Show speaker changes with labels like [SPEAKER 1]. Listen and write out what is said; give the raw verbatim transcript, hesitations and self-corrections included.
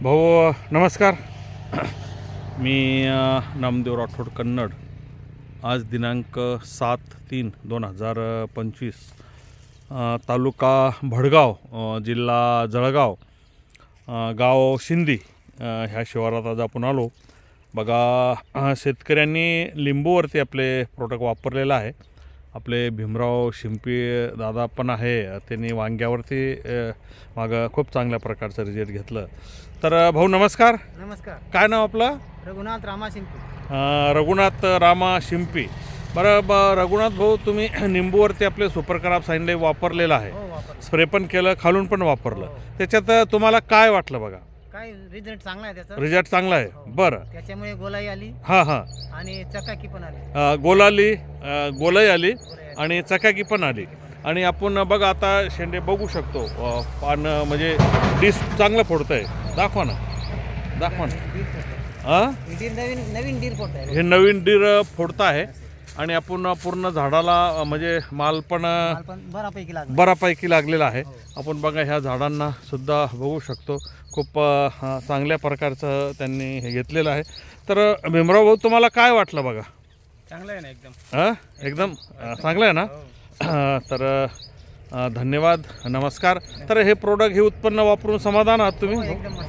[SPEAKER 1] भाऊ नमस्कार. मी अ, नामदेव राठोड कन्नड. आज दिनांक सात तीन दोन हजार पंचवीस, अ, तालुका भडगाव, अ, जिल्हा जळगाव, अ, गाव शिंदी, अ, ह्या शिवारात आज आपण आलो. बघा, अ, शेतकऱ्यांनी लिंबूवरती आपले प्रोडक्ट वापरलेलं आहे. आपले भीमराव शिंपी दादा पण आहे, त्यांनी वांग्यावरती अ, मागं खूप चांगल्या प्रकारचं रिझल्ट घेतलं. तर अ, भाऊ नमस्कार.
[SPEAKER 2] नमस्कार.
[SPEAKER 1] काय नाव आपलं?
[SPEAKER 2] रघुनाथ रामा शिंपी.
[SPEAKER 1] अ, रघुनाथ रामा शिंपी. बरं ब रघुनाथ भाऊ, तुम्ही निंबूवरती आपले सुपर कराब सांडले वापरलेलं आहे,
[SPEAKER 2] हो वापर.
[SPEAKER 1] स्प्रे पण केलं, खालून पण वापरलं.
[SPEAKER 2] हो.
[SPEAKER 1] त्याच्यात तुम्हाला काय वाटलं? बघा,
[SPEAKER 2] काय रिझल्ट चांगला आहे त्याचा.
[SPEAKER 1] रिझल्ट चांगला आहे.
[SPEAKER 2] हो.
[SPEAKER 1] बरं.
[SPEAKER 2] त्याच्यामुळे गोलाई आली
[SPEAKER 1] हां हां.
[SPEAKER 2] आणि चकाकी पण आली.
[SPEAKER 1] अ, गोलाली, अ, गोलाई आली
[SPEAKER 2] गोलाई आली.
[SPEAKER 1] आणि चकाकी पण आली. आणि आपण बघा आता शेंडे बघू शकतो, अ, पान म्हणजे डिस चांगलं फोडतं आहे. दाखवा ना, दाखवा ना.
[SPEAKER 2] डीर फोडतो.
[SPEAKER 1] हां,
[SPEAKER 2] ही डीर नवीन नवीन डीर फोडतो आहे.
[SPEAKER 1] हे नवीन डीर फोडतं आहे. आणि आपण पूर्ण झाडाला अ, म्हणजे माल पण अ,
[SPEAKER 2] माल पण बऱ्यापैकी लागला.
[SPEAKER 1] बऱ्यापैकी लागलेला आहे.
[SPEAKER 2] हो.
[SPEAKER 1] आपण बघा ह्या झाडांना सुद्धा बघू शकतो, खूप अ, हा, चांगल्या प्रकारचं त्यांनी हे घेतलेलं आहे. तर अ, भीमराव भाऊ, तुम्हाला काय वाटलं? बघा,
[SPEAKER 2] चांगला आहे ना एकदम.
[SPEAKER 1] हां, एकदम अ, चांगलं आहे ना.
[SPEAKER 2] हो.
[SPEAKER 1] तर अ, धन्यवाद, नमस्कार. तर हे प्रोडक्ट, हे उत्पन्न वापरून समाधान आहात तुम्ही?
[SPEAKER 2] हो, एकदम